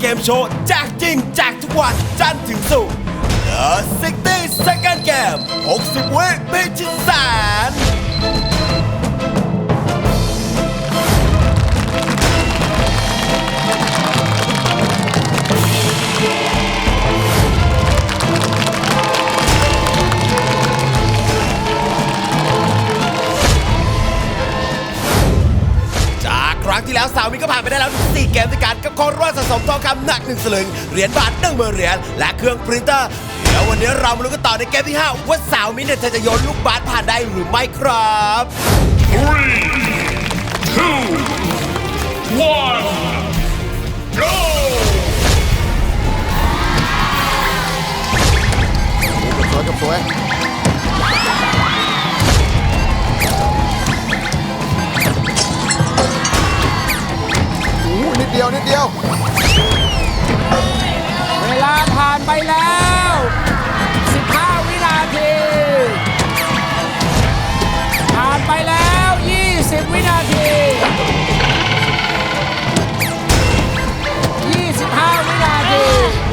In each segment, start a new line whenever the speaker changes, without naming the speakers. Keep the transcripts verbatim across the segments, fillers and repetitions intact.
เกมโชว์แจกจริงแจกทุกวันจันทร์ถึงศุกร์ The ซิกตี้ Second Game หกสิบ วิพิชิตแสนครั้งที่แล้วสาวมินก็ผ่านไปได้แล้วถึงสี่เกมด้วยกันกับของรางวัลสะสมทองคำหนักหนึ่งสลึงเหรียญบาทหนึ่งหมื่นเหรียญและเครื่องปรินเตอร์เดี๋ยววันนี้เรามาลุ้นกันต่อในเกมที่ห้าว่าสาวมินเนี่ยเธอจะโยนลูกบาสผ่านได้หรือไม่ครับ
three two one go
สวยกับสวยนิดเดียวนิดเดียว
เวลาผ่านไปแล้วสิบห้าวินาทีผ่านไปแล้วยี่สิบวินาทียี่สิบห้าวินาที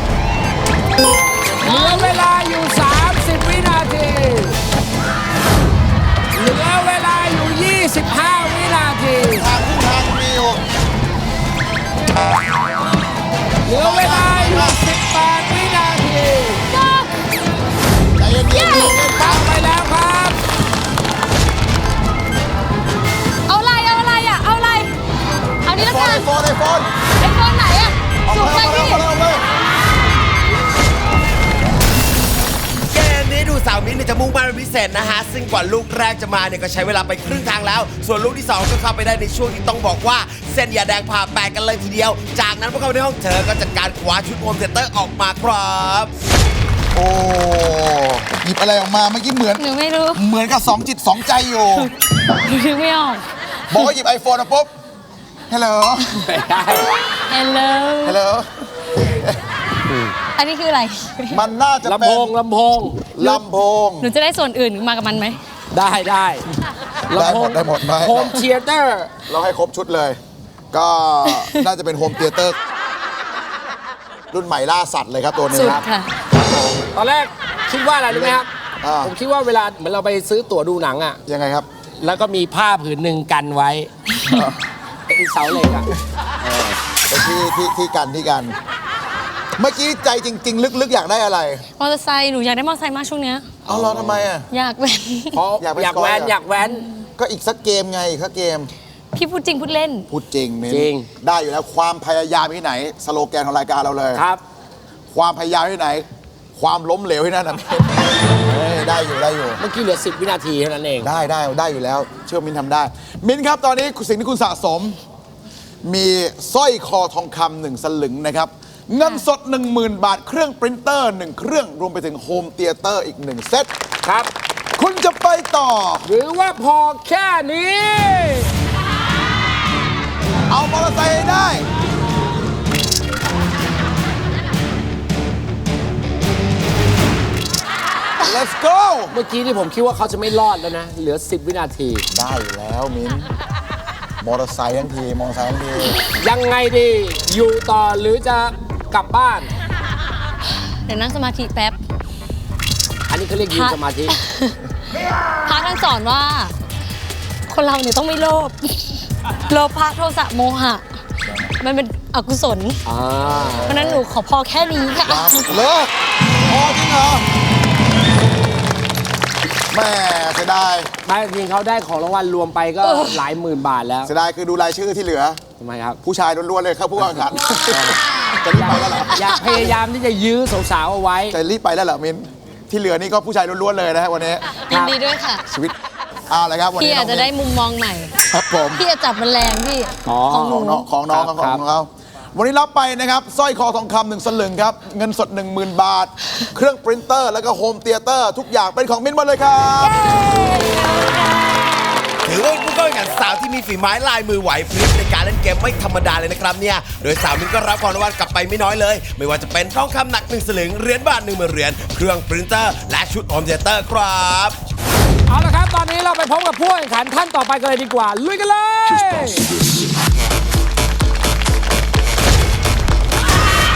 เหลือเวลาอยู่สามสิบวินาทีเหลือเวลาอยู่ยี่สิบห้าวินาที
ทางขึ้นทางมีอยู่
เหลือเวลาอยู่สิบแปดวินาที
ใจเย็นๆเย็นๆ
ตั้งไปแล้วครับ
เอาอะไรเอาอะไรอ่ะเอาอะไรเอานี้แล้วกัน
ไอโฟนไอโฟน
ไอโฟนไหนอ่ะสูงไปพี่
เกมนี้ดูสาวมินเนี่ยจะมุ่งมั่นเป็นพิเศษนะฮะซึ่งกว่าลูกแรกจะมาเนี่ยก็ใช้เวลาไปครึ่งทางแล้วส่วนลูกที่สองก็เข้าไปได้ในช่วงที่ต้องบอกว่าเส้นยาแดงผ่าแปดกันเลยทีเดียวจากนั้นพวกเขาในห้องเธอก็จัดการคว้าชุดโฮมเทเตอร์ออกมาครับ
โอ้หยิบอะไรออกมาเมื่อกี้เหมือน
หนูไม่รู้
เหมือนกับสองจิตสองใจอยู่
หนูนึกไม่ออก
บอกว่าหยิบไอโฟนมาปุ๊บฮัลโหล
ฮัลโหล
ฮัลโหล
อันนี้คืออะไร
มันน่าจะเป็น
ลำโพงลำโพง
ลำโพง
หนูจะได้ส่วนอื่นมากับมันไหม
ได้ได้
ได้หมดได้หมดไหม
โฮมเธียเตอร์
เราให้ครบชุดเลย ก็น่าจะเป็นโฮมเธียเตอร์รุ่นใหม่ล่าสัตว์เลยครับตัวนี้
สุด
ครับ
ค่ะ
ตอนแรกคิดว่าอะไรรู้ไหมครับ
อ่า
ผมคิดว่าเวลาเหมือนเราไปซื้อตั๋วดูหนังอ่ะ
ยังไงครับ
แล้วก็มีผ้าผืนหนึ่งกันไว้เป็นเสาเหล็กอ่ะ
ไปที่ที่ที่กันที่กัน เมื่อกี้ใจจริง ๆ ลึกๆ อยากได้อะไร
มอเตอร์ไซค์หนูอยากได้มอเตอร์ไซค์มากช่วงเนี้ย
เอาเราทำไมอ่ะ
อยากเป็น
เพราะ
อยากไป
อยาก
สกอย
แว้น
เหรอ
อยากแว้น
ก็อีกสักเกมไงอีกสักเกม
พี่พูดจริงพูดเล่น
พูดจริงมิ้น
จริง
ได้อยู่แล้วความพยายามที่ไหน สโลแกนของรายการเราเลย
ครับ
ความพยายามที่ไหน ความล้มเหลวที่นั่นนะมิ้นเฮ้ยได้อยู่ได้อยู่
เมื่อกี้เหลือสิบวินาทีเท่านั้นเอง
ได้ได้ได้อยู่แล้ว เชื่อมิ้นทำได้ มิ้นครับตอนนี้สิ่งที่คุณสะสม มีสร้อยคอทองคำหนึ่งสลึงนะครับ เงินสด หนึ่งหมื่น บาทเครื่องปรินเตอร์หนึ่งเครื่องรวมไปถึงโฮมเธียเตอร์อีกหนึ่งเซต
ครับ
คุณจะไปต่อ
หรือว่าพอแค่นี้
เอามอเตอร์ไซค์ให้ได้ let's go
เมื่อกี้ที่ผมคิดว่าเขาจะไม่รอดแล้วนะ เหลือสิบวินาที
ได้อยู่แล้วมิ้นมอเตอร์ไซค์ทั้งทีมอเตอร์ไซค์ทั้งที
ยังไงดี อยู่ต่อหรือจะกลับบ้าน
เดี๋ยวนั่งสมาธิแป๊บ
อันนี้เขาเรียกยืนสมาธิ
พระท่านสอนว่า คนเราเนี่ยต้องไม่โลภ โลภะโทสะโมหะ มันเป็นอกุศล
อ่า
เพราะฉะนั้นหนูขอพอแค่นี้ค่ะ
ตามเลิกพอจริงเหรอแม่เสียดาย
ไม่จริงเขาได้ของรางวัลรวมไปก็หลายหมื่นบาทแล้ว
เสียดายคือดูรายชื่อที่เหลือ
ทำไมครับ
ผู้ชายล้วนๆเลยครับผู้แข่งขันจะรีบไปแล้วเหรอ
อยากพยายามที่จะยื้อสาวๆเอาไว้
จะรีบไปแล้วเหรอมิ้นที่เหลือนี่ก็ผู้ชายล้วนๆเลยนะฮะวันนี้
ยินดีด้วยค่ะ
ชีวิตเอาละครับวัน
พี่
นี้
อาจจะได้มุมมองใหม่
ครับผม
พี่จะจับมันแรงพี่
อ๋อ
ของห
ข
นู
องน้องของน้องครับ
ค
ข
รั
อบ งเขาวันนี้รับไปนะครับสร้อยคอทองคำหนึ่งสลึงครับเงินสด หนึ่งหมื่น บาท เครื่องปรินเตอร์แล้วก็โฮมเธียเตอร์ทุกอย่างเป็นของมิ้นหมดเลยครับ
ถือว่าเป็นผู้เข้าแข่งขันสาวที่มีฝีไม้ลายมือไหวพริบในการเล่นเกมไม่ธรรมดาเลยนะครับเนี่ยโดยสาวมินก็รับของรางวัลกลับไปไม่น้อยเลย ไม่ว่าจะเป็นทองคำหนักหนึ่งสลึงเหรียญบาทหนึ่งหมื่นเหรียญเครื่องปรินเตอร์และชุดโฮมเธียเตอร์ครับ
เอาละครับ ตอนนี้เราไปพบกับผู้แข่งขันท่านต่อไปกันเลยดีกว่า ลุยกันเลย
Just bounce to this.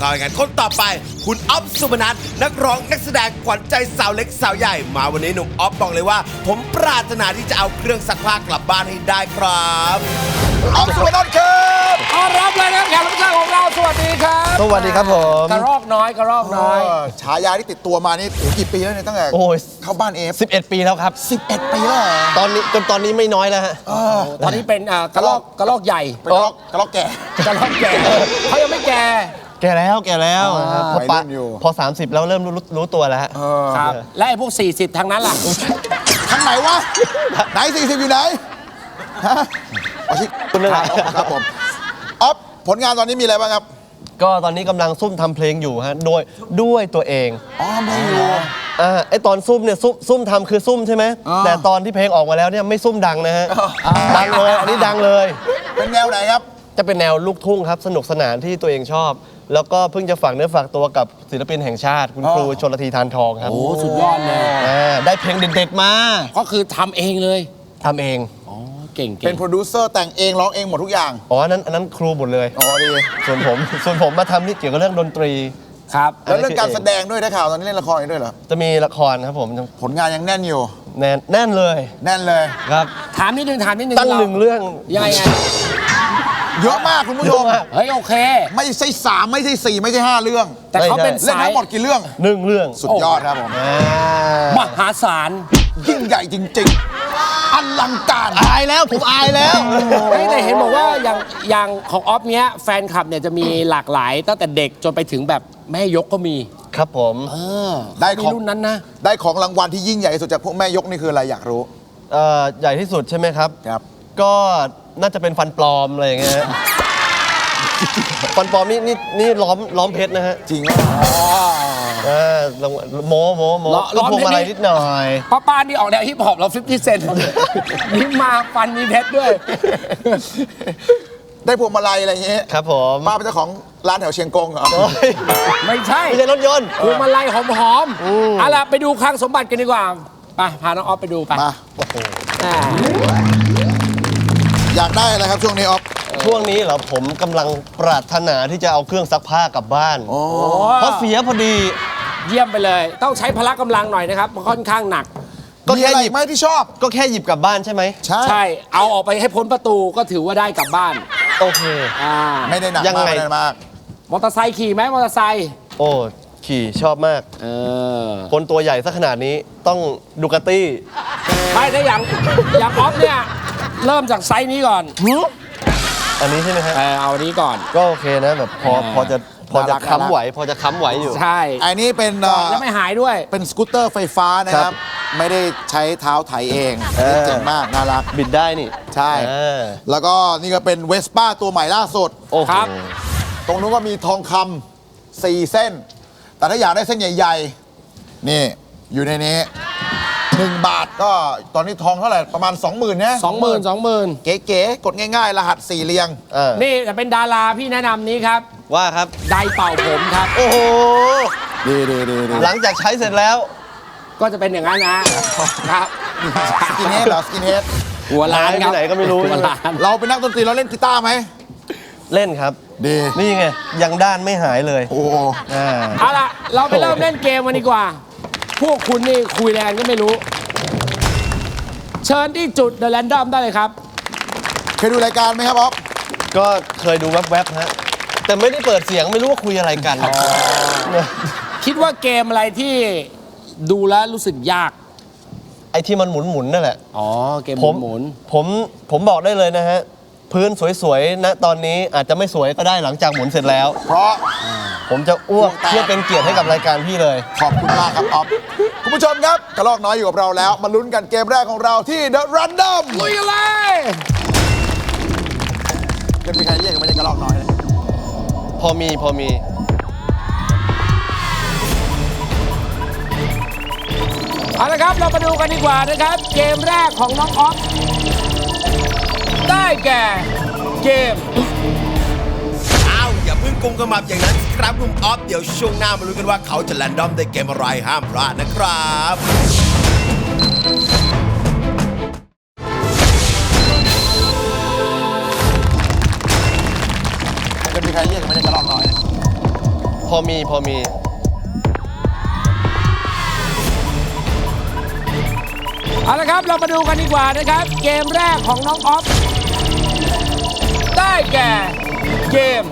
าแข่งขันคนต่อไปคุณอ๊อฟสุพนัทนักร้องนักแสดงขวัญใจสาวเล็กสาวใหญ่มาวันนี้หนุ่มอ๊อฟบอกเลยว่า ผมปรารถนาที่จะเอาเครื่องซักผ้ากลับบ้านให้ได้ครับ
อ๊อฟสุพนัทครับ
ต้อนรับเลยนะครับแขกรับเชิญของเราสวัสดีครับ
สวัสดีครับผม
กระรอกน้อยกระรอกน้อย
เออฉายาที่ติดตัวมานี่โอ้กี่ปีแล้วเนี่ยตั้งแต่
โอ้ย
เข้าบ้านเอฟ
สิบเอ็ดปีแล้วครับ
สิบเอ็ดปีแล้วเหรอ
ตอนนี้จนตอนนี้ไม่น้อยแล้วฮะ
ตอนนี้เป็นอ่ากระรอกกระรอกใหญ่
เป็นกระรอกกระรอกแก่
กระรอกแก่เขายังไม่แก่
แก่แล้วแก่แล้ว
อ่า
ครับพอ
วัย
ปะ
รุ่นอยู่
พอ สามสิบแล้วเริ่มรู้รู้ตัวแล้วฮะ
เออ
ครับ และไอ้พวก สี่สิบทางนั้นล่ะ
ทางไหนวะ ไหนสี่สิบอยู่ไหนฮะเอาชิ
คุณนั่นแหละ
ครับผมอ๊อฟผลงานตอนนี้มีอะไรบ้างครับ
ก็ตอนนี้กำลังซุ่มทำเพลงอยู่ฮะโดยด้วยตัวเอง
อ๋อไม่อยู่
อ่าไอตอนซุ่มเนี่ยซุ่มซุ่มทำคือซุ่มใช่ไหม
อ่า
แต่ตอนที่เพลงออกมาแล้วเนี่ยไม่ซุ่มดังนะฮะดังเลยอันนี้ดังเลย
เป็นแนวไหนครับ
จะเป็นแนวลูกทุ่งครับสนุกสนานที่ตัวเองชอบ แล้วก็เพิ่งจะฝากเนื้อฝากตัวกับศิลปินแห่งชาติ คุณ
อ๋อ
ครูชลธีทานทองครับ
โอ้สุดยอดเลย
อ่าได้เพลงเด็ดๆมา
ก็คือทำเองเลย
ทำเอง
อ๋อ เก่ง
เป็นโปรดิวเซอร์แต่งเองร้องเองหมดทุกอย่าง
อ๋ออันนั้นอันนั้นครูหมดเลย
อ๋อดี
ส่วนผม ส่วนผมมาทำนี่เกี่ยวกับเรื่องดนตรี
ครับ
แล้วเรื่องการแสดงด้วยได้ข่าวตอนนี้เล่นละครอีกด้วยเหรอ
จะมีละครครับผม
ผลงานยังแน่นอยู่
แน่นแน่นเลย
แน่นเลย
ครับ
ถามนิดนึงถามนิดนึง
ตั้งหนึ่งเรื่อง
ยังไงไง
เยอะมากคุณผู้ชม
เยอะมาก
เฮ้ย โอเค
ไม่ใช่สามไม่ใช่สี่ไม่ใช่ห้าเรื่อง
แต่เขาเป็น
เล่น
สาย
ทั้งหมดกี่เรื่อง
หนึ่งเรื่อง
สุดยอดครับผม
อ่าม
หาศาล
ยิ่งใหญ่จริงๆอลังการ
อายแล้วผมอายแล้ว
เฮ้ยแต่เห็นบอกว่าอย่างอย่างของออฟเนี้ยแฟนคลับเนี่ยจะมีหลากหลายตั้งแต่เด็กจนไปถึงแบบแม่ยกก็มี
ครับผม
เออ
ได้ของ
มีรุ่นนั้นนะ
ได้ของรางวัลที่ยิ่งใหญ่ที่สุดจากพวกแม่ยกนี่คืออะไรอยากรู้
เอ่อใหญ่ที่สุดใช่ไหมครับ
ครับ
ก็น่าจะเป็นฟันปลอมอะไรอย่างเงี้ยฮะ ฟันปลอมนี่นี่นี่ล้อมล้อมเพชรนะฮะ
จริงว่า
เออลองโมโมโม
ล้อล้
ก็
อม
พวง
เพชร
มาลัย
นี่
นิดหน่อย
ป้าป้านี่ออกแนวฮิปฮอปเราฟิฟตี้เซนนี่มาฟันมีเพชรด้วย
ได้พวงมาลัยอะไรอย่างเงี้ย
ครับผม
ป้าเป็นเจ้าของร้านแถวเชียงกงเหรอ
โอ้ย
ไม่ใช่
ไม่ใช่รถยนต์
พวงมาลัยหอมๆเอาล่ะไปดูคลังสมบัติกันดีกว่าไปพาน้องออฟไปดูไป
มา
อ่า
อยากได้อะไรครับช่วงนี้ออฟ
ช่วงนี้เหรอผมกำลังปรารถนาที่จะเอาเครื่องซักผ้ากลับบ้าน
โอ้
เพราะเสียพอดี
เยี่ยมไปเลย ต้องใช้พละกำลังหน่อยนะครับมันค่อนข้างหนัก
ก็
มี
แค่
อะไร
หยิบ
ไหมที่ชอบ
ก็แค่หยิบกลับบ้านใช่ไหม
ใช่
ใช่ เอาออกไปให้พ้นประตูก็ถือว่าได้กลับบ้าน
โอเค
อ่า
ไม่ได้หนัก
ยัง
มาก
ไง
ไม่ได้มาก
มอเตอร์ไซค์ขี่ไหมมอเตอร์ไซค์
โอ้ขี่ชอบมาก
เออ
คนตัวใหญ่สักขนาดนี้ต้องดูกาตี้
ไม่ถ้าอย่างอย่างออฟเนี่ยเริ่มจากไซส์นี้ก่อน
อันนี้ใช่ไหมฮะ
เออเอาอันนี้ก่อน
ก็โอเคนะแบบพอ
อ่า
พอจะพอจะ
น่ารัก
ค้ำไหว พอจะค้ำไหวอยู่
ใช่
อันนี้เป็นเอ่อ
แล้วไม่หายด้วย
เป็นสกูตเตอร์ไฟฟ้านะค
ครั
รับ
บ
ไม่ได้ใช้เท้าไถเอง
เออ
เจ๋งมาก น่ารัก
บิดได้นี่
ใช่
อ่า
แล้วก็นี่ก็เป็นเวสป้าตัวใหม่ล่าสุด
โอ้โห
ครับ
ตรงนู้นก็มีทองคำสี่เส้น แต่ถ้าอยากได้เส้นใหญ่ๆ นี่ อยู่ในนี้หนึ่งบาทก็ตอนนี้ทองเท่าไหร่ ประมาณ 20,000นะ
สองหมื่นสองหมื่น
เก๋ๆ กดง่ายๆ รหัสสี่เรียง
เออ
นี่แต่เป็นดาราพี่แนะนำนี้ครับ
ว่าครับ
ไดร์เป่าผมครับ
โอ้โห
ดีดีดีดี
หลังจากใช้เสร็จแล้ว
ก็จะเป็นอย่างนั้นนะครับ
สกินเฮดเหรอสกินเฮด
หัวล้านครับ
หายไปไหนก็ไม่รู้
หัวล้าน
เราเป็นนักดนตรีเราเล่นกีตาร์ไหม
เล่นครับ
ดี
นี่ไง ยังด้านไม่หายเลย
โอ้
อ่า
เอาล่ะ เราไปเริ่มเล่นเกมกันดีกว่า พวกคุณนี่คุยแรงก็ไม่รู้ เชิญที่จุด The Random ได้เลยครับ
เคยดูรายการไหมครับอ๊อฟ
ก็เคยดูแวบๆฮะ แต่ไม่ได้เปิดเสียงไม่รู้ว่าคุยอะไรกัน
คิดว่าเกมอะไรที่ดูแล้วรู้สึกยาก
ไอ้ที่มันหมุนๆนั่นแหละ
อ๋อ เกม
ผม
หมุน
ผมผมบอกได้เลยนะฮะ พื้นสวยๆนะตอนนี้อาจจะไม่สวยก็ได้หลังจากหมุนเสร็จแล้ว
เพราะ
ผมจะอ้วก
อ้วกแตก
เพื่อเป็นเกียรติให้กับรายการพี่เลย
ขอบคุณมากครับอ๊อฟคุณผู้ชมครับกระลอกน้อยอยู่กับเราแล้ว มาลุ้นกันเกมแรกของเราที่ The Random
ๆลุยกันเลย
จะมีใครเรียกกันไม่ใช่กระลอกน้อยเลย
พอมีพอมี
เอาละครับ เรามาดูกันดีกว่านะครับ เกมแรกของน้องออฟได้แก่เกม
อ้าวอย่าเพิ่งกุมกระหมับอย่างนั้นสิครับหนุ่มออฟเดี๋ยวช่วงหน้ามาลุ้นกันว่าเขาจะแรนดอมในเกมอะไรห้ามพลาดนะครับ
จะมีใครเรียกกันไม่ใช่กระลอกน้อยเลย
พอมีพอมี
เอาละครับเรามาดูกันดีกว่านะครับ เกมแรกของน้องออฟได้แก่เกม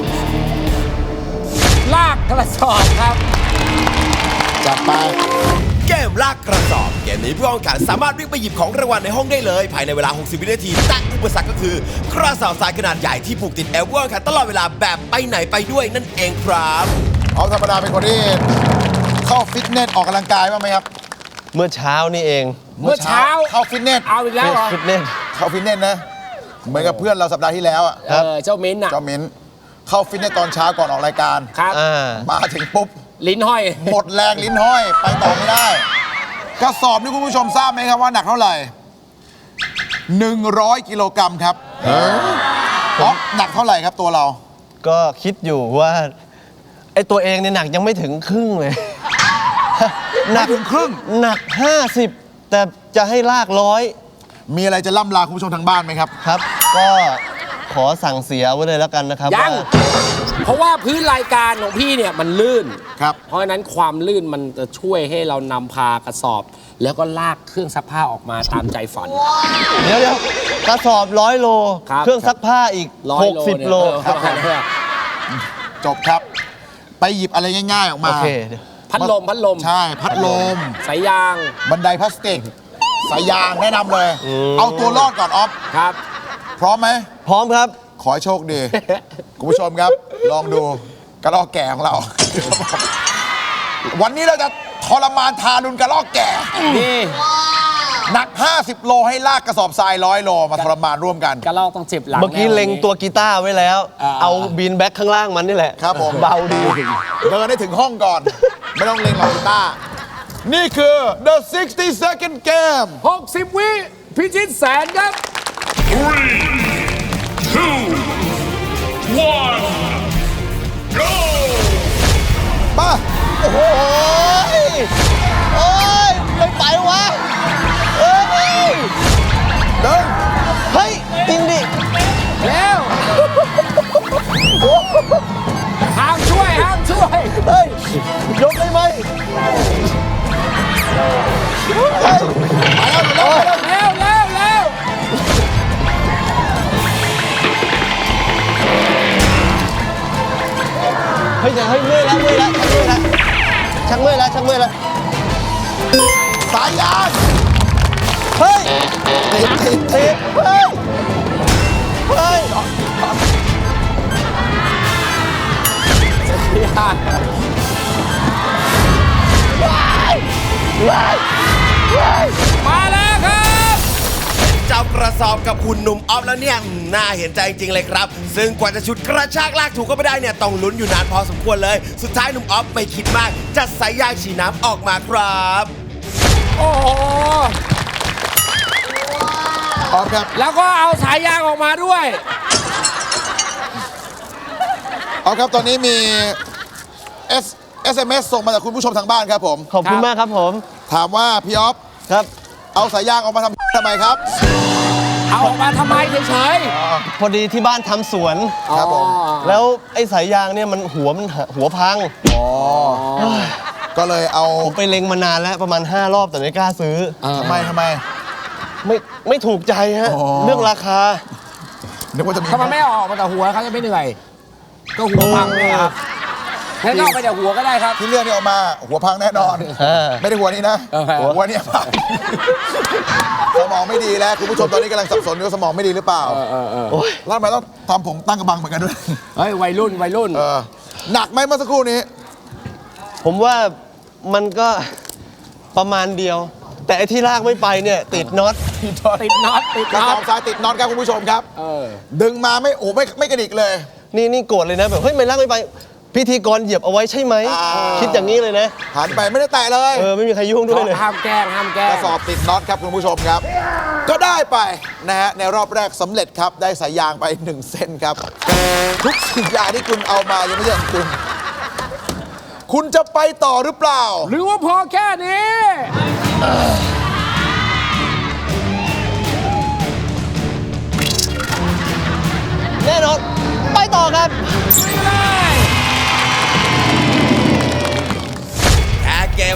ลากกระสอบครับ
จัดไป
เกมลากกระสอบ เกมนี้ผู้แข่งขันสามารถวิ่งไปหยิบของรางวัลในห้องได้เลย ภายในเวลา หกสิบ วินาที แต่อุปสรรคก็คือกระสอบทรายขนาดใหญ่ที่ผูกติดเอวผู้แข่งขันตลอดเวลาแบบไปไหนไปด้วยนั่นเองครับ
เอาธรรมดาเป็นคนที่เข้าฟิตเนสออกกำลังกายบ้างไหมครับ
เมื่อเช้านี่เอง
เมื่อเช้า
เข้าฟิตเนส
เอาอีกแล้วเหรอ
ฟิตเนส
เข้าฟิตเนสนะ เหมือนกับเพื่อนเราสัปดาห์ที่แล้วอะ
เออเจ้ามิ้นท์อ่ะ
เจ้ามิ้นเข้าฟิตเนสตอนเช้าก่อนออกรายการ
ครับ
อ่า
มาถึงปุ๊บ
ลิ้นห้อย
หมดแรงลิ้นห้อย ไปต่อไม่ได้ กระสอบนี่คุณผู้ชมทราบไหมครับว่าหนักเท่าไหร่ หนึ่งร้อยกิโลกรัมครับอ๋อหนักเท่าไหร่ครับตัวเรา
ก็คิดอยู่ว่าไอตัวเองเนี่ยหนักยังไม่ถึงครึ่งเลย หนัก
ไม่ถึงครึ่ง
หนัก ห้าสิบ แต่จะให้ลากร้อย
มีอะไรจะล่ำลาคุณผู้ชมทางบ้านไหมครับ
ครับ ก็ขอสั่งเสียไว้เลยแล้วกันนะครับ
ยัง
ว่า
เพราะว่าพื้นรายการของพี่เนี่ยมันลื่น
ครับ
เพราะฉะนั้นความลื่นมันจะช่วยให้เรานำพากระสอบ แล้วก็ลากเครื่องซักผ้าออกมาตามใจฝัน
เดี๋ยวเดี๋ยวกระสอบร้อยโล
ครับ
เครื่องซักผ้าอีก
ร้อย
หกสิบ
เนี่ย
โล
เออครับผม
จบครับ ไปหยิบอะไรง่าย ๆ ออกมา
โอเคเดี๋ยว
พัดลมพัดลม
ใช่ พัดลม
สายยาง
บันไดพลาสติก สายยางแนะนำเลย เอาตัวรอดก่อนออฟ
ครับ
พร้อมไหม
พร้อมครับ
ขอให้โชคดี คุณผู้ชมครับ ลองดูกระรอกแก่ของเรา วันนี้เราจะทรมานทารุณกระรอกแก่
นี่
หนัก ห้าสิบ โลให้ลากกระสอบทรายร้อยโลมาทรมานร่วมกัน
กระลอกต้องเจ็บหลัง
เมื่อกี้
แน่
เล็งตัวกีตาร์ไว้แล้ว
อ่า
เอาบีนแบ็คข้างล่างมันนี่แหละ
ครับผม
เบาดี
เดินให้ถึงห้องก่อน ไม่ต้องเล็งหรอกกีตาร์นี่คือ the sixty second game
หกสิบวิพิชิตแสนครับ
Three, two, one, go!
มาโอ้โห
โอ้ยไม่ไปวะเอ้ย
เดิน
เฮ้ย จริงดิ
เร็วห้ามช่วยห้ามช่วย
เฮ้ย ยกได้ไหมเฮ้ย
เร็วเร็วเร็วเร็ว
เฮ้ยเดี๋ยวเฮ้ยเมื่อยแล้วเมื่อยแล้วชักเมื่อยแล้วชักเมื่อยแล้วชักเมื่อยแล้ว
สายยาง
เฮ้ยติดติดติดเฮ้ย เฮ้ย
มาแล้วครับ
เจ้ากระสอบกับคุณหนุ่มออฟแล้วเนี่ยอืมน่าเห็นใจจริงๆเลยครับ ซึ่งกว่าจะชุดกระชากลากถูกก็ไม่ได้เนี่ยต้องลุ้นอยู่นานพอสมควรเลย สุดท้ายหนุ่มออฟไม่คิดมาก จัดสายยางฉีดน้ำออกมาครับ
โอ้โห
พร้อมครับ
แล้วก็เอาสายยางออกมาด้วย
เอาครับ ตอนนี้มี S เอส เอ็ม เอส ส่งมาจากคุณผู้ชมทางบ้านครับผม
ขอบคุณ
ครับ
มากครับผม
ถามว่าพี่ออฟ
ครับ
เอาสายยางออกมาทำทำไมครับ
เอาออกมาทำไมเฉย
พอดีที่บ้านทำสวน
ๆ
ครับผม
อ๋อ
แล้วไอ้สายยางเนี่ยมันหัวมันหัวพัง
ก็เลยเอา
ผมไปเล็งมานานแล้วประมาณ ห้ารอบแต่ไม่กล้าซื้อ
ทำไมทำไม
ไม่ไม่ถูกใจฮะ
อ๋อ
เรื่องราคา
นึกว่าจะมี
ทำไมไม่เอาออกมาแต่หัวเขาจะไม่เหนื่อย ก็หัวพังเลยครับงั้นก็เอาไปแต่หัวก็ได้ครับ
ที่เลือกนี่ออกมาหัวพังแน่นอน
เออ
ไม่ได้หัวนี้นะ
เออ
หัวเนี่ยพังสมองไม่ดีแล้วคุณผู้ชมตอนนี้กำลังสับสนอยู่ว่าสมองไม่ดีหรือเปล่า
เออเออ
โอ้ย
แล้วทำไมต้องทำผมตั้งกระบังเหมือนกันด้วย
เฮ้ยวัยรุ่นวัยรุ่น
เออหนักไหมเมื่อสักครู่นี้
ผมว่ามันก็ประมาณเดียว แต่ไอ้ที่ลากไม่ไปเนี่ย ติดน็อต
ติดน็อตติด
กระ
น็
ส
อ
อ
ต
บทรายติดน็อตครับคุณผู้ชมครับ
เออ
ดึงมาไม่โอ้ไม่ไม่กระดิกเลย
นี่นี่โกรธเลยนะแบบเฮ้ยไม่ลากไม่ไป พิธีกรเหยียบเอาไว้ใช่ไหม
อ่า
คิดอย่างนี้เลยนะ
หันไปไม่ได้แตะเลย
เออไม่มีใครยุ่งด้วยเลย
ห้ามแกล้งห้ามแกล้
ก
ง
ระสอบติดน็อตครับคุณผู้ชมครับ ก็ได้ไปนะฮะในรอบแรกสำเร็จครับได้สายยางไปหนึ่งเส้นครับ ทุกสิ่งอย่างที่คุณเอามายังไม่ใช่ของคุณ คุณจะไปต่อหรือเปล่า
หรือว่าพอแค่นี้
แน่นอน ไปต่อครับ
ไม่ได้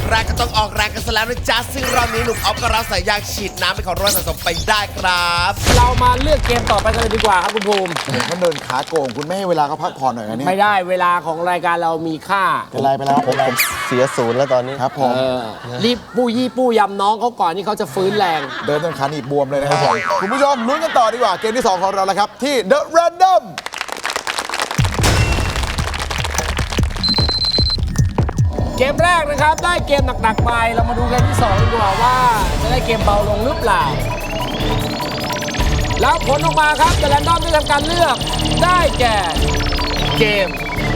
แรกก็ต้องออกแรงกันซะแล้วนะจ๊ะซึ่งรอบนี้หนุ่มออฟก็รับสายยางฉีดน้ำไปของรางวัลสะสมไปได้ครับ
เรามาเลือกเกมต่อไปกันเลยดีกว่าครับคุณภูมิ
มันเดินขาโกงคุณไม่ให้เวลาเขาพักผ่อนหน่อยนะเนี่ย
ไม่ได้เวลาของรายการเรามีค่า
เป็นไรไปแล้วเป็นไร
เสียศูนย์แล้วตอนนี้
ครับผม
เออรีบปู้ยี่ปู้ยำน้องเขาก่อนที่เขาจะฟื้นแรง
เดินจนขาหนีบบวมเลยนะครับผมคุณผู้ชมลุ้นกันต่อดีกว่าเกมที่สองของเราแล้วครับที่ The Random
เกมแรกนะครับได้เกมหนักๆไปเรามาดูเกมที่สองดีกว่าว่าจะได้เกมเบาลงหรือเปล่า แล้วผลออกมาครับแต่แรนดอมได้ทำการเลือกได้แก่เกม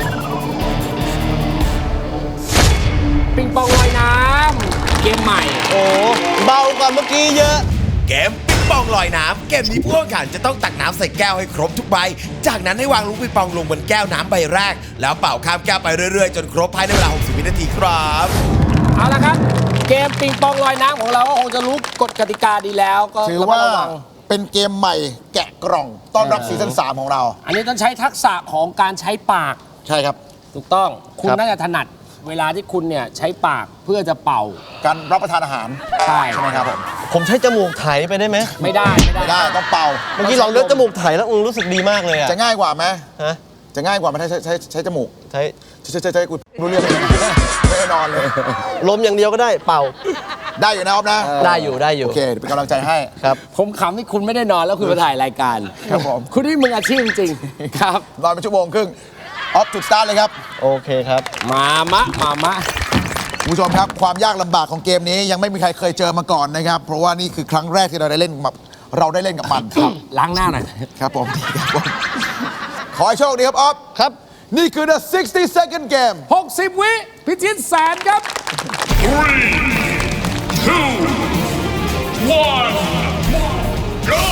ปิงปองลอยน้ำเกมใหม่
โอ้เบากว่าเมื่อกี้เยอะ
เกมปิงปองลอยน้ำเกมนี้ผู้แข่งขันจะต้องตักน้ำใส่แก้วให้ครบทุกใบจากนั้นให้วางลูกปิงปองลงบนแก้วน้ำใบแรกแล้วเป่าข้ามแก้วไปเรื่อยๆจนครบภายในเวลาหกสิบวินาทีครับ
เอาละครับ เกมปิงปองลอยน้ำของเราก็คงจะรู้กฎกติกาดีแล้วก็
ถือ
ระมัด
ว่า
ระวัง
เป็นเกมใหม่แกะกล่องต้อนรับซีซั่นสามของเรา
อันนี้ต้องใช้ทักษะของการใช้ปาก
ใช่ครับ
ถูกต้องคุณ
ครับ
น่าจะถนัดเวลาที่คุณเนี่ยใช้ปากเพื่อจะเป่า
การรับประทานอาหาร
ใช่
ใช่ไหมครับผม
ผมใช้จมูกไถไปได้ไหม
ไม่ได้ไม่ได้
ไม่ได้ต้องเป่า
เมื่อกี้ลองเลือกจมูกไถแล้วอืมรู้สึกดีมากเลยอะ
จะง่ายกว่าไหม
ฮะ
จะง่ายกว่าไหมถ้าใช้ใช้ใช้จมูก
ใช้
ใช้ใช้ใช้กูรู้เรื่องไหมไม่ได้นอนเลย
ลมอย่างเดียวก็ได้เป่า
ได้อยู่นะออฟนะ
ได้อยู่ได้อยู่
โอเคเดี๋ยวเป็นกำลังใจให้
ครับ
ผมขำที่คุณไม่ได้นอนแล้วคุณมาถ่ายรายการ
ครับผม
คุณนี่มึงอาชีพจริงๆครับ
นอนเป็นชั่วโมงครึ่งออฟจุดสตาร์ทเลยครับ
โอเคครับ
มามะมามะ
คุณผู้ชมครับความยากลำบากของเกมนี้ยังไม่มีใครเคยเจอมาก่อนนะครับ เพราะว่านี่คือครั้งแรกที่เราได้เล่นกับเราได้เล่นกับมันครับ
ล้างหน้าหน่อย
ครับผมครับผมขอให้โชคดีครับออฟ
ครับ
นี่คือ the sixty second game
หกสิบ วิพิชิตแสนครับ
Three, two, one, go!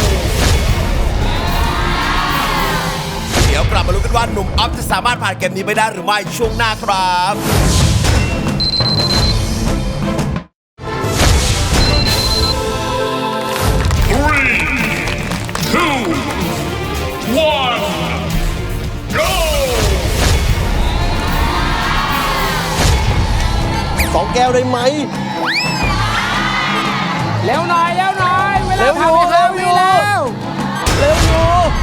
เดี๋ยวกลับมาลุ้นกันว่าหนุ่มออฟจะสามารถผ่านเกมนี้ไปได้หรือไม่ช่วงหน้าครับ
Three, two, one, go!
สองแก้วได้ไหม
เร็วหน่อยเร็วหน่อยเวลา
เร็วอยู่
ผ่านไปห้า
เร็ว
วิ
อยู่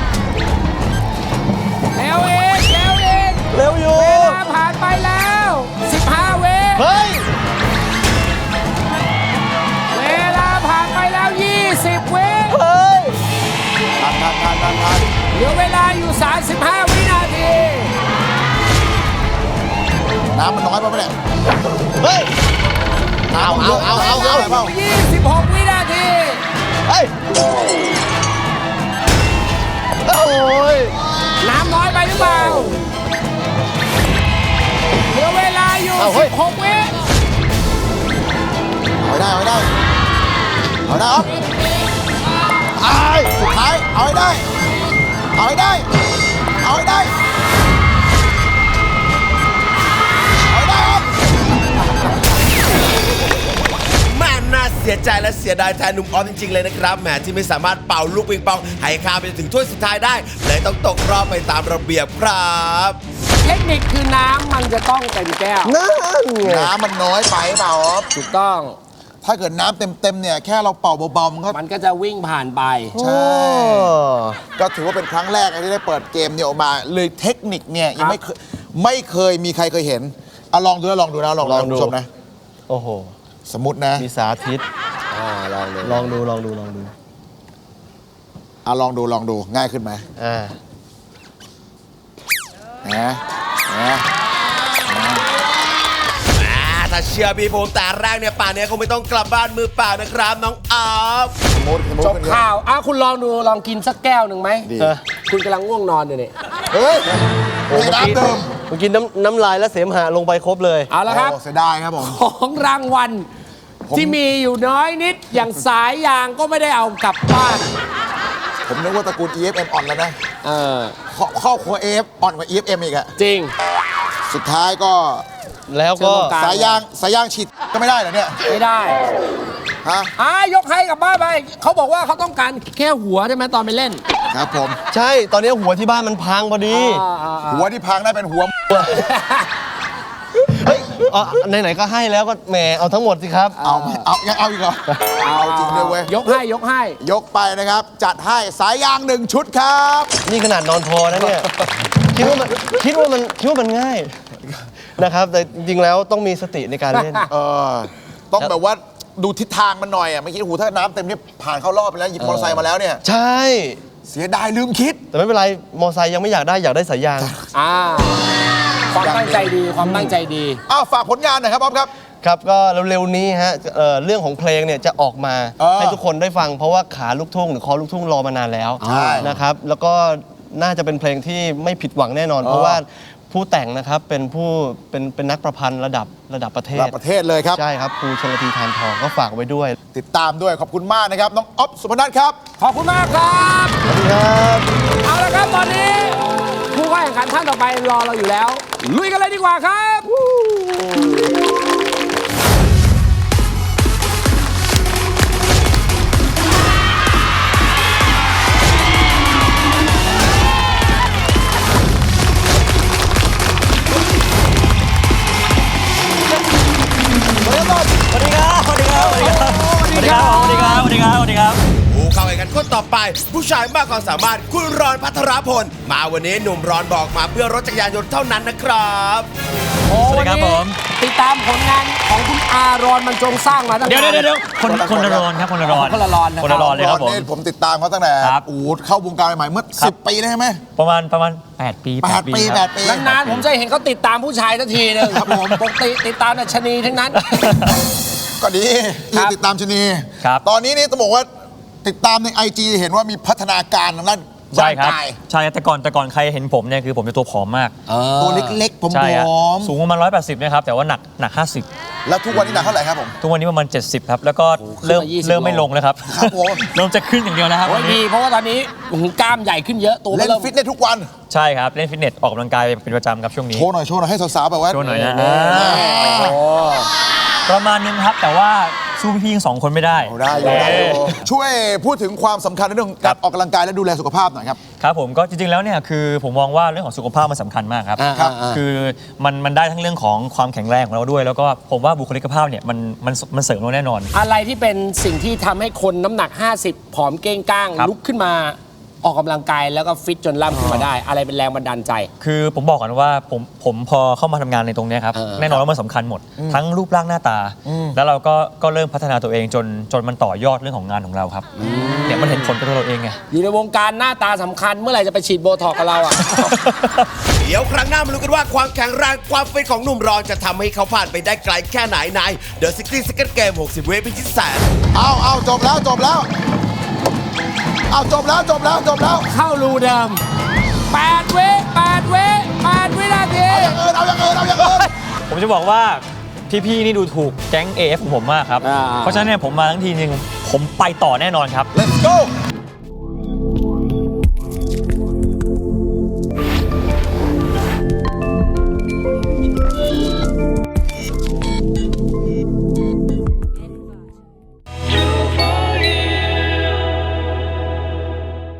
แล้ว
เร็วอยู่
เร็วอีกเร็วอีก
เร็วอยู่
เวลาผ่านไปแล้วสิบห้าวิ
เฮ้ย
เวลาผ่านไปแล้วยี่สิบวิ
เฮ้ย
ทันทันทันทันทัน
เหลือเวลาอยู่สามสิบห้าวินาที
น้ำมันน้อยไปไหมเนี่ย
เฮ้ย เอาเอาเอาเอาเอา
เปล่า
ยี่สิบหกวินาที
เฮ้ย โอ้ย
น้ำน้อยไปหรือเปล่าเหลือเวลาอยู่
เอาเฮ้
สิ
ย
บหกวิ
เอาให้ได้เอาให้ได้เอาให้ได้ออฟไอ้ายสุดท้ายเอาให้ได้เอาให้ได้เอาให้ได้เอาให้ได้ออฟ
แม่น่าเสียใจและเสียดายแทนหนุ่มออฟจริงๆเลยนะครับแหมที่ไม่สามารถเป่าลูกปิงปองให้ข้ามไปถึงถ้วยสุดท้ายได้เลยต้องตกรอบไปตามระเบียบครับ
เทคนิคคือน้ำมันจะต้องเต็มแก้ว
นั่นไง
น้ำมันน้อยไปเปล่าออฟ
ถูกต้อง
ถ้าเกิดน้ำเต็มๆเนี่ยแค่เราเป่าเบาๆมันก็
มันก็จะวิ่งผ่านไป
ใช่ ก็ถือว่าเป็นครั้งแรกที่ได้เปิดเกมเนี่ยออกมา เลยเทคนิคเนี่ยยังไม่เคยไม่เคยมีใครเคยเห็นอ่ะลองดูนะลองดูนะลองดูนะคุณผู้ชมนะ
โอ้โห
สมมตินะ
มีสาธิต
อ่าลองดู
ลองดู ลองดู ลองดู
อ่ะลองดูลองดูง่ายขึ้นไหม
อ่า
นะนะ
อ่าถ้าเชื่อพี่ผมแต่แรกเนี่ยป่านนี้คงไม่ต้องกลับบ้านมือเปล่านะครับน้องออฟ
สมมติสมมติ
จบ
เป็นไง
ข่าวอ่ะคุณลองดูลองกินสักแก้วหนึ่งไหม
ดี
เออ
คุณกำลังง่วงนอนอยู่นี่
เฮ้ย
โอ้
ไม่
เมื่อ
น้ำ
กี้
เดิม
เมื่อกี้น้ำน้ำลายและเสมหะลงไปครบเลย
เอาละครับ
โอ้เสียดายครับผม
ของรางวัล
ผม
ที่มีอยู่น้อยนิด อย่างสายยางก็ไม่ได้เอากลับบ้าน
ผมนึกว่าตระกูล อี เอฟ เอ็ม อ่อนแล้วนะ
เออ
ครอบครอบครัว เอ เอฟ อ่อนกว่า อี เอฟ เอ็ม อีกอะ
จริง
สุดท้ายก็
แล้วก็
เชิญตรงกลาง
สายยางสายยางฉีดก็ไม่ได้เหรอเนี่ย
ไม่ได้
ฮะ
อ่ายกให้กลับบ้านไป เขาบอกว่าเขาต้องการแค่หัวใช่ไหมตอนไปเล่น
ครับผม
ใช่ ตอนนี้หัวที่บ้านมันพังพอดี
อ่าอ่าอ่า
หัวที่พังได้เป็นหัว
เฮ้ยอ๋อไหนๆก็ให้แล้วก็แหมเอาทั้งหมดสิครับ
เอาเอายังเอาอีกเหรอเอาจริงด้วยเว้ย
ยกให้ยกให้
ยกไปนะครับ จัดให้สายยางหนึ่งชุดครับ
นี่ขนาดนอนพอนะเนี่ย คิดว่ามันคิดว่ามันคิดว่ามันง่ายนะครับ แต่จริงๆแล้วต้องมีสติในการเล่น
เออต้องแบบว่าดูทิศทางมันหน่อยอ่ะไม่คิดโอ้โหถ้าน้ำเต็มนี่ผ่านเข้ารอบไปแล้วหยิบมอเตอร์ไซค์มาแล้วเนี่ย
ใช่
เสียดายลืมคิด
แต่ไม่เป็นไร มอไซค์ยังไม่อยากได้อยากได้สายยาง
อ่า ความตั้งใจดีความตั้งใจดี
อ้าวฝากผลงานหน่อยครับบ๊อบครับ
ครับก็เร็วๆนี้ฮะเอ่อเรื่องของเพลงเนี่ยจะออกมา
เออ
ให้ทุกคนได้ฟัง เพราะว่าขาลูกทุ่งหรือคอลูกทุ่งรอมานานแล้ว
ใช่
นะครับแล้วก็น่าจะเป็นเพลงที่ไม่ผิดหวังแน่นอน เพราะว่าผู้แต่งนะครับเป็นผู้เป็นเป็นนักประพันธ์ระดับระดับประเทศ
ระดับประเทศเลยครับ
ใช่ครับครูชลธีทานทองก็ฝากไว้ด้วย
ติดตามด้วยขอบคุณมากนะครับ น้องอ๊อฟสุพนัทครับ
ขอบคุณมากครับ
สวัสดีครับ
เอาละครับตอนนี้ผู้เข้าแข่งขันท่านต่อไปรอเราอยู่แล้ว ลุยกันเลยดีกว่าครับ
ผู้เข้าแข่งขันคนต่อไป ผู้ชายมากความสามารถคุณรอนพัทรพล มาวันนี้หนุ่มรอนบอกมาเพื่อรถจักรยานยนต์เท่านั้นนะครับ
โอ้วันนี้ติดตามผลงานของคุณอารอนมันจงสร้างมาตั้ง
เดี๋ยว
นา
เดี๋ย
น
วเดี๋ยวคนคนละรอนครับคนละรอน
คนละรอนนะครับ
คนละรอนเลยครับผม
นี่ผมติดตามเขาตั้งแต่
ครับ
โอ้โหเข้าวงการใหม่ๆเมื่อ
ครับ
สิบปีได้ไหม
ประมาณประมาณแปดปี
แปดปี
ครับ
แปดปี
นานๆผมจะเห็นเขาติดตามผู้ชายทันทีนึงครับผมปกติติดตามแต่ชะนีทั้งนั้น
ก็ดี
ครั
ที่
บ
ติดตามชนี
ครับ
ตอนนี้นี่ต้องบอกว่าติดตามในไอจีเห็นว่ามีพัฒนาการทางด้าน
ใช่ครับ
ร่างกาย
ใช่แต่ก่อนแต่ก่อนใครเห็นผมเนี่ยคือผมจะตัวผอมมาก
ตัวเล็กๆผม
ใช่ครับ
อม
สูงประมาณร้อยแปดสิบนะครับแต่ว่าหนักหนักห้าสิบ
แล้วทุกวันนี้หนักเท่าไหร่ครับผม
ทุกวันนี้ประมาณเจ็ดสิบครับแล้วก็เริ่ม
ขึ้นมายี่สิบ
เริ่มไม่ลงแล้วครับ
ครับผม
เริ่มจะขึ้นอย่างเดียวแล้วครับ
โอ้
วั
ย
น
ดี
นี้
เพราะว่าตอนนี้อื้อหือกล้ามใหญ่ขึ้นเยอะตัว
เล่น
เริ่ม
ฟิตเนสทุกวัน
ใช่ครับเล่นฟิตเนสออกกำลังกายเป็นประจำครับช่วงนี้
โชว์หน่อยโชว์หน่อยให้สาวๆแบบว่า
โชว์หน่อยนะ
โอ้
ประมาณนึงครับแต่ว่าสู้พี่ๆทั้งสองคนไม่ได้
ได้อยู่ได้อยู่ช่วยพูดถึงความสำคัญในเรื่องของการออกกำลังกายและดูแลสุขภาพหน่อยครับ
ครับผมก็จริงๆแล้วเนี่ยคือผมมองว่าเรื่องของสุขภาพมันสำคัญมากครับ
อ่า
ครับ
อ่า
คือมันมันได้ทั้งเรื่องของความแข็งแรงของเราด้วย แล้วก็ผมว่าบุคลิกภาพเนี่ยมันมันมันเสริมเราแน่นอน
อะไรที่เป็นสิ่งที่ทำให้คนน้ำหนัก ห้าสิบ ผอมเก้งก้าง
ครับ
ลุกขึ้นมาออกกำลังกายแล้วก็ฟิตจนล่ำขึ้นมาได้ อะไรเป็นแรงบันดาลใจ
คือผมบอกก่อนว่าผมผมพอเข้ามาทำงานในตรงเนี้ยครับ
เออ
แน่นอนว่ามันสำคัญหมด ทั้งรูปร่างหน้าตา แล้วเราก็ก็เริ่มพัฒนาตัวเองจนจนมันต่อยอดเรื่องของงานของเราครับเนี่ยมันเห็นผลกับตัวเราเองไง
อยู่ในวงการหน้าตาสำคัญเมื่อไหร่จะไปฉีดโบท็อกซ์กับเราอ่ะ
เดี๋ยวครั้งหน้ามาลุ้นกันว่าความแข็งแรงความฟิตของหนุ่มรอนจะทำให้เขาผ่านไปได้ไกลแค่ไหนใน The ซิกตี้ Second Game หกสิบ วิพิชิตแสน
เอาเอาจบแล้วจบแล้วเอาจบแล้วจบแล้วจบแล้ว
เข้ารูเดิมแปดวิแปดวิแปดวินาที
เอาอย่างอื่นเอาอย่างอื่นเอาอย่างอื่น
ผมจะบอกว่าพี่ๆนี่ดูถูกแก๊ง เอ เอฟ ของผมมากครับ
อ่า
เพราะฉะนั้นเนี่ยผมมาทั้งทีนึงผมไปต่อแน่นอนครับ
let's go